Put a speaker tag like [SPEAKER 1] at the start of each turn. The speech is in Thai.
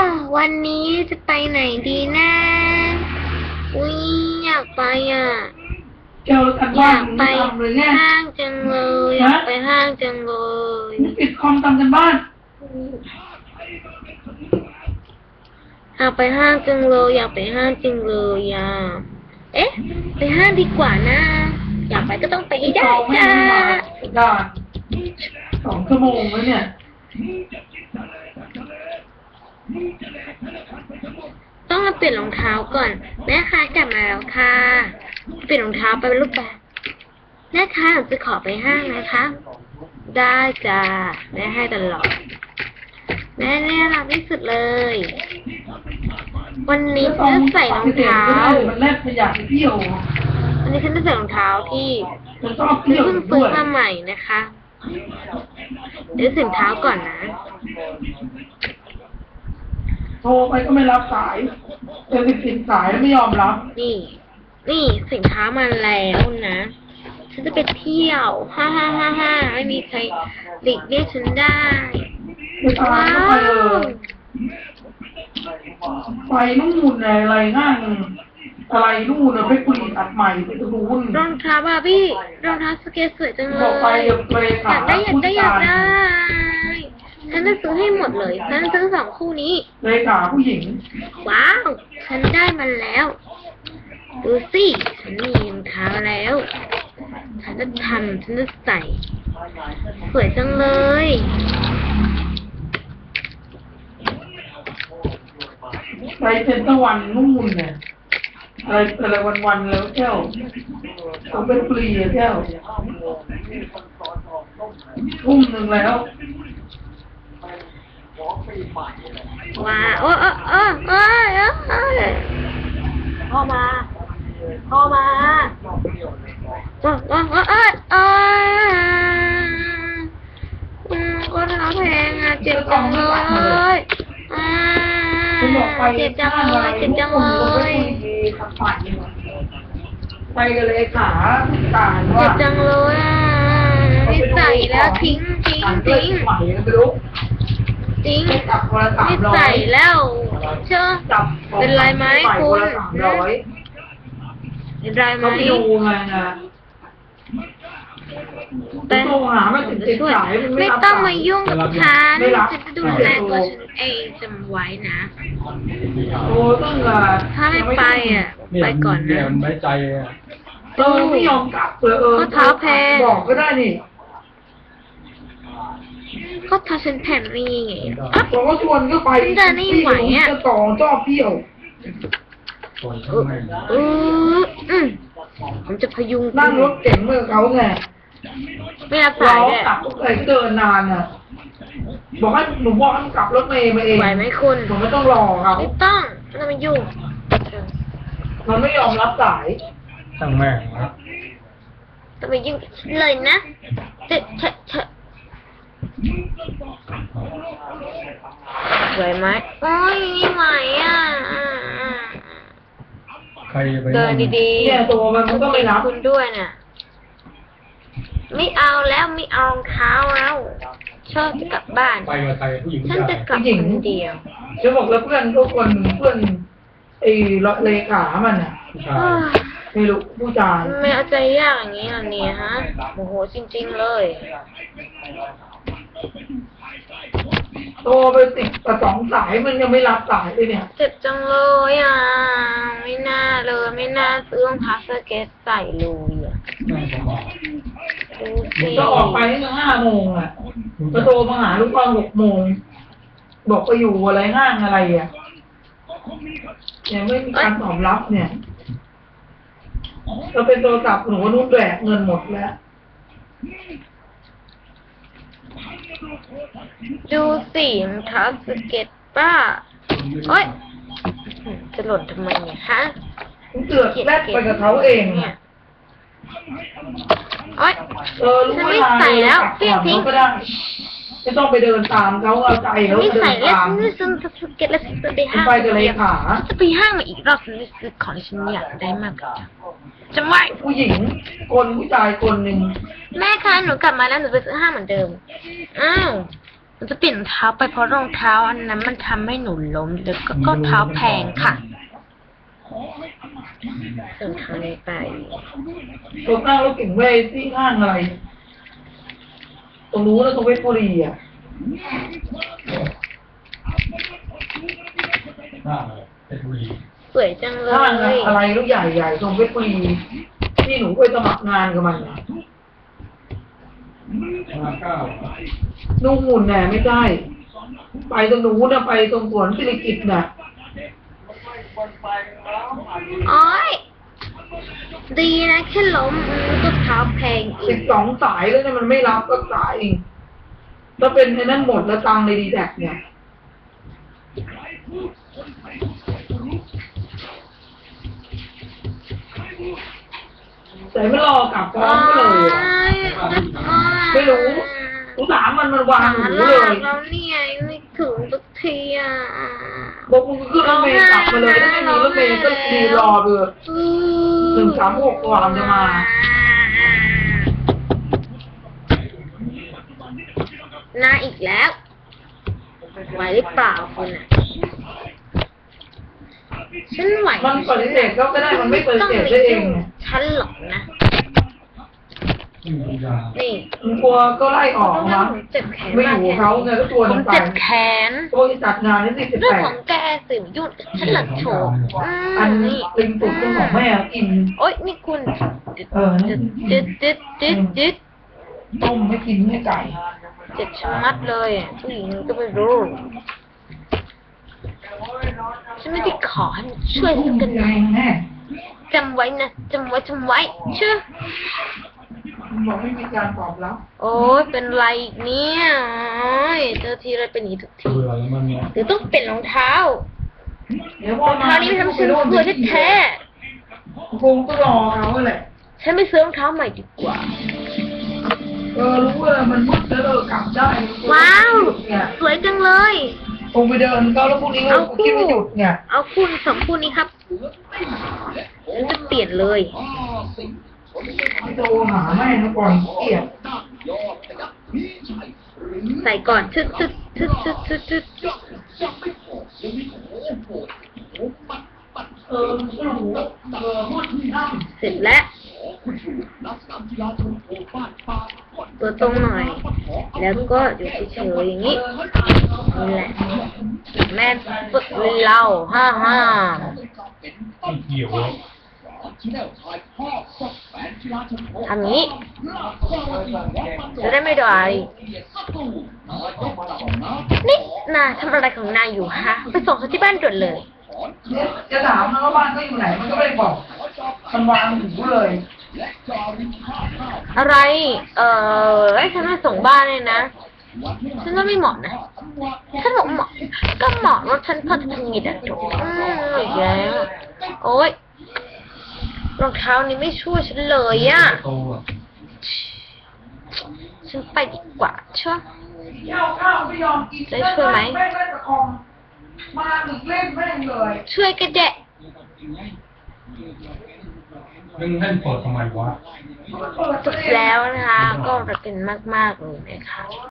[SPEAKER 1] วันนี้จะไปไหนดีนะอุ้ยอยากไปอ่ะ
[SPEAKER 2] แก้วแล้วกัน
[SPEAKER 1] อ
[SPEAKER 2] บ้าน
[SPEAKER 1] ยากไป
[SPEAKER 2] ทำเลยเนี่ย
[SPEAKER 1] ห้างจังเลยอยากไปห้างจังเลย
[SPEAKER 2] นี่ปิดคอมทำกันบ้าน
[SPEAKER 1] อยากไปห้างจังเลยอยากไปห้างจังเลยอ่ะเอ๊ะไปห้างดีกว่านะอยากไปก็ต้องไปให้ได้จ้า
[SPEAKER 2] ได้2 ชั่วโมงแล้วเนี่ย
[SPEAKER 1] ต้องมาเปลี่ยนรองเท้าก่อนแม่ค้ากลับมาแล้วค่ะเปลี่ยนรองเท้าไปเป็นรูปแบบแม่ค้าหนูจะขอไปห้างนะคะได้จ้าแม่ให้ตลอดแม่เนี่ยรักที่สุดเลยวันนี้ฉันจะใส่รองเท้า
[SPEAKER 2] มันแลกขยะไปเที่ยว
[SPEAKER 1] วันนี้ฉันจะใส่รองเท้าที่
[SPEAKER 2] มันชอบเที่ยว
[SPEAKER 1] เพิ่ง
[SPEAKER 2] ด้
[SPEAKER 1] ซื้
[SPEAKER 2] ว
[SPEAKER 1] อย มาใหม่นะคะเดี๋ยวสินเท้าก่อนนะ
[SPEAKER 2] โทรไปก็ไม่รับสายเป็นสิบสายแล้วไม่ยอมรับ
[SPEAKER 1] นี่สินค้ามาแล้วนะฉันจะไปเที่ยวฮ่าฮ่าฮ่าฮ่าไม่มีใครหลีกเลี่ยงฉันได้
[SPEAKER 2] ไม่ตามก็ไปเลยไปนู่นอะไรห้างอะไรนู่นไปคุยตัดใหม่ไปตรงนู้น
[SPEAKER 1] รองเท้าบาร์บี้รองเท้าสเก็ตสวยจังเล
[SPEAKER 2] บอกไป
[SPEAKER 1] ย
[SPEAKER 2] อยากได้
[SPEAKER 1] อยากได้ฉันจะซื้อให้หมดเลยฉันจะซื้อ2 คู่นี้
[SPEAKER 2] เลยขาผู้หญิง
[SPEAKER 1] ว้าวฉันได้มันแล้วดูสิฉันมีรองเท้าแล้วฉันจะใส่สวยจังเลย
[SPEAKER 2] ไปเซ็นเตอร์วันนู่นเนี่ยอะไรวันแล้วแก้วเขาเป็นฟรีอะแก้วทุ่มหนึ่งแล้ว
[SPEAKER 1] ว้าวโอ้พ่อมาก็เท้าแพงอ่ะเจ็บจังเลยเจ็บจังเลย
[SPEAKER 2] ไปกันเลยขาต่าง
[SPEAKER 1] เจ็บจังเลยอ่ะไม่ใส่แล้วทิ้ง
[SPEAKER 2] ใหม่กันไปรู้
[SPEAKER 1] จริง
[SPEAKER 2] จับคนละ
[SPEAKER 1] ไม่ใส่แล้วเชื่อ
[SPEAKER 2] จับ
[SPEAKER 1] เป็นไรไหมคุณ เป็นไรไหม
[SPEAKER 2] เขาไปดูไงนะแต่หาไม่ถึงจะช่วย
[SPEAKER 1] ไม่ต้องมายุ่งกับฉันฉันจะดูแลตัวฉันเองจำไว้นะ
[SPEAKER 2] โอ้ต้อง
[SPEAKER 1] ถ้าไม่ไปอ่ะไปก่อนนะ
[SPEAKER 3] ไม่ใจอ่ะ
[SPEAKER 2] ไม่ยอมกลับเลย
[SPEAKER 1] ก็เท้าแพง
[SPEAKER 2] บอกก็ได้นี่
[SPEAKER 1] ก็ถ้าฉันแผ่นนี่ไง
[SPEAKER 2] บอกว่าชวนก็ไป
[SPEAKER 1] จะไม่ไหวอ่ะ
[SPEAKER 2] จะต่อชอบเที่ยว
[SPEAKER 1] ผมจะพยุง
[SPEAKER 2] นั่งรถเก๋งเมื่อเขาไง
[SPEAKER 1] ไม่รับสายเลย
[SPEAKER 2] กลับก็เลยเดินนานอ่ะบอกให้หนูบอกให้กลับรถเมย์มาเอง
[SPEAKER 1] ไหวไหมคุณ
[SPEAKER 2] ผมไม่ต้องรอเขา
[SPEAKER 1] ไม่ต้องไม่ต้องมายุ่ง
[SPEAKER 2] มันไม่ยอมรับสาย
[SPEAKER 3] ตั้งแม่งนะ
[SPEAKER 1] ต้องมายุ่งเลยนะเถอะไหวไหมโอ้ยไม่ไหวอ่ะ
[SPEAKER 3] ใครไป
[SPEAKER 1] เดินดีๆ
[SPEAKER 2] เนี่ยตัวมันก็ไม่รับ
[SPEAKER 1] คุณด้วยน่ะไม่เอาแล้วไม่เอาเท้าแล้วชอบกลับบ้าน
[SPEAKER 3] ไปกับใครผู้หญิง
[SPEAKER 1] ฉันจะกลับคนเดียว
[SPEAKER 2] จะบอกแล้วเพื่อนก็คนเพื่อนไอ้เลขามันอ่ะไม่รู้ผู้ชาย
[SPEAKER 1] ไม่เอาใจยากอย่างนี้อ่ะเนี่ยฮะโอ้โหจริงๆเลย
[SPEAKER 2] โทรไป2 สายมันยังไม่รับสายเลยเนี่ย
[SPEAKER 1] เจ็บจังเลยอ่ะไม่น่าเลยไม่น่าซื้อรองเท้าสเก็ตใส่เลยอ่ะ
[SPEAKER 2] ก็ออกไปตั้ง5 โมงอ่ะก็โทรมาหาลูกตอน6 โมงบอกไปอยู่อะไรห้างอะไรอ่ะยังไม่มีการตอบรับเนี่ยเราเป็นโทรศัพท์หนูนุ่นแบกเงินหมดแล้ว
[SPEAKER 1] ดูสิรองเท้าสเก็ตป้าโอ๊ยจะหล่นทำไมเนี่ยฮะ
[SPEAKER 2] เสือกแลกไปกับเขาเอง
[SPEAKER 1] เนี่ยโอ๊ยฉันไม่ใส่แล้วทิ้ง
[SPEAKER 2] ก็ได้ไม่ต้องไปเดินตามเขาเอาใจเขา
[SPEAKER 1] ไม่
[SPEAKER 2] เดิ
[SPEAKER 1] ใส่
[SPEAKER 2] น
[SPEAKER 1] แล้ว
[SPEAKER 2] ตาม
[SPEAKER 1] ฉันซื้อสเก็ตแล้วฉันจะไปห้าง
[SPEAKER 2] ไปกับเลยขา
[SPEAKER 1] จะไปห้างมาอีกรอบฉันจะซื้อของที่ฉันอยากได้มากกว่าจะไม่
[SPEAKER 2] ผู้หญิงคนผู้ชายคนหนึ่ง
[SPEAKER 1] แม่คะหนูกลับมาแล้วหนูไปซื้อห้างเหมือนเดิมอ้าวมันจะเปลี่ยนรองเท้าไปเพราะรองเท้าอันนั้นมันทำให้หนูล้มแล้วก็เท้าแพงค่ะรองเท้านี้ไป
[SPEAKER 2] ตัวนั่งรถเก่งเว้ยที่ห้างอะไรตรงนู้นแล้วตรงเพชรบุรีอ่ะ
[SPEAKER 3] หน้าเลยเพชรบุรี
[SPEAKER 1] สวยจังเล
[SPEAKER 2] ห้าง
[SPEAKER 1] ย
[SPEAKER 2] อะไรลูกใหญ่ๆตรงเพชรบุรีที่หนูไปสมัครงานกับมันน่ะ
[SPEAKER 3] 59
[SPEAKER 2] นุ่งหุ่นแน่ไม่ได้ไปตรงนู้นนะไปตรงสวนสิริกิติ์น่ะ
[SPEAKER 1] โอ้ยดีนะแค่ล้มก็เท้าแพงอีก
[SPEAKER 2] 12 สายแล้วเนี่ยมันไม่รับก็สายอีกถ้าเป็นไอ้นั่นหมดแล้วตังค์ในดีแท็กเนี่ยแต่ไม่รอกลับพร้อมก็เลยอะไม่รู้กูถามมันวางหูเลย
[SPEAKER 1] แล้วเนี่ยไม่ถึงสักทีอ่ะ
[SPEAKER 2] บอกมึงขึ้นรถเมล์กลับมาเลยถ้าไม่มีรถเมล์ก็ดีรอไปเลย136กว่ามันจะมา
[SPEAKER 1] หน้าอีกแล้วไหวหรือเปล่าคุณอ่ะฉันไหว
[SPEAKER 2] มันปฏิเสธก็ได้มันไม่ปฏิเสธได้เองไง
[SPEAKER 1] ฉันหรอกนะ
[SPEAKER 3] ไม่มียา
[SPEAKER 1] นี่
[SPEAKER 2] มึงกลัวก็ไล่ออก
[SPEAKER 1] ต้อง
[SPEAKER 2] นะ
[SPEAKER 1] ผมเจ็บแขน
[SPEAKER 2] ไม่อยู่กับเขาไงก็ชวน
[SPEAKER 1] ผม
[SPEAKER 2] มันไป
[SPEAKER 1] เจ็บแขน
[SPEAKER 2] ตัวที่จัดงานนี่
[SPEAKER 1] เรื่อง
[SPEAKER 2] 18
[SPEAKER 1] ของแกสิยุ่งฉันหลักโฉก
[SPEAKER 2] อัน
[SPEAKER 1] นี่
[SPEAKER 2] ลิงตุกเป็นของแม่กิน
[SPEAKER 1] โอ๊ยนี่คุณ
[SPEAKER 2] นี่
[SPEAKER 1] จึ๊ด
[SPEAKER 2] ต้มไม่กินไม่ไก่
[SPEAKER 1] เจ็บชะมัดเลยอ่ะผู้หญิงก็ไม่รู้ฉันไม่ได้ขอให้มันช่วยสักกันหน่อย
[SPEAKER 2] แน่
[SPEAKER 1] จำไว้นะจำไว้เชื่อ
[SPEAKER 2] มันบอกไม่มีการตอบรับ
[SPEAKER 1] โอ๊ยเป็นไรอีกเนี่ยโอ๊ยเจอทีไรเป็นอย่างนี้ทุกที
[SPEAKER 3] เบื่อแล้วมันเนี่ย
[SPEAKER 1] หรือต้องเปลี่ยนรองเท้า
[SPEAKER 2] เดี๋ยวพ
[SPEAKER 1] ร
[SPEAKER 2] อ
[SPEAKER 1] อง
[SPEAKER 2] มา
[SPEAKER 1] เท้านี้มันทำฉันเบื่อแท้
[SPEAKER 2] คงก็รอเขาแหละ
[SPEAKER 1] ๆฉันไปซื้อรองเท้าใหม่ดีกว่า
[SPEAKER 2] รู้ว่ามันมืดแล้วกลับได้
[SPEAKER 1] ว้าว
[SPEAKER 2] เนี่ย
[SPEAKER 1] สวยจังเลย
[SPEAKER 2] คงไปเดินก็แล้วพรุ่งนี้ก็คิดว่าหยุดเนี่ย
[SPEAKER 1] เอาคู่สองคู่นี้ครับฉันจะเปลี่ยนเลย
[SPEAKER 2] โทรหาแม่นะก่อนเกลียด
[SPEAKER 1] ใส่ก่อนชึดเสร็จแล้วตัวตรงหน่อย แล้วก็อยู่เฉยๆอย่างนี้นี่แหละแม่ฝึกเราฮ่า
[SPEAKER 3] ไม่เกี่ยวแล้ว
[SPEAKER 1] ทำนี้จะได้ไม่โดนอะไรนี่นายทำอะไรของนายอยู่ฮะไปส่งเขาที่บ้านด่วนเลย
[SPEAKER 2] จะถามนะว่าบ้านก็อยู่ไหนมันก็ไม่ได้บอกมันวางหูเลย
[SPEAKER 1] อะไรให้ฉันมาส่งบ้านเลยนะฉันว่าไม่เหมาะนะฉันบอกเหมาะก็เหมาะรถฉันพอจะทำงิดอ่ะถูกอีกแล้วโอ๊ยรองเท้านี้ไม่ช่วยฉันเลยอ่ะ
[SPEAKER 3] โตอ่ะ
[SPEAKER 1] ฉันไปดีกว่าเชื่อ
[SPEAKER 2] ข้าวไม่ยอมกิน
[SPEAKER 1] ได้ช่วยไหม
[SPEAKER 2] แม่งเล่นตะคอมมาถึงเล่นแม่งเลย
[SPEAKER 1] ช่วยกันแดะ
[SPEAKER 3] มึงเล่นเปิดทำไมวะ
[SPEAKER 1] จบแล้วนะคะ ก็รักกันมากๆเลยนะคะ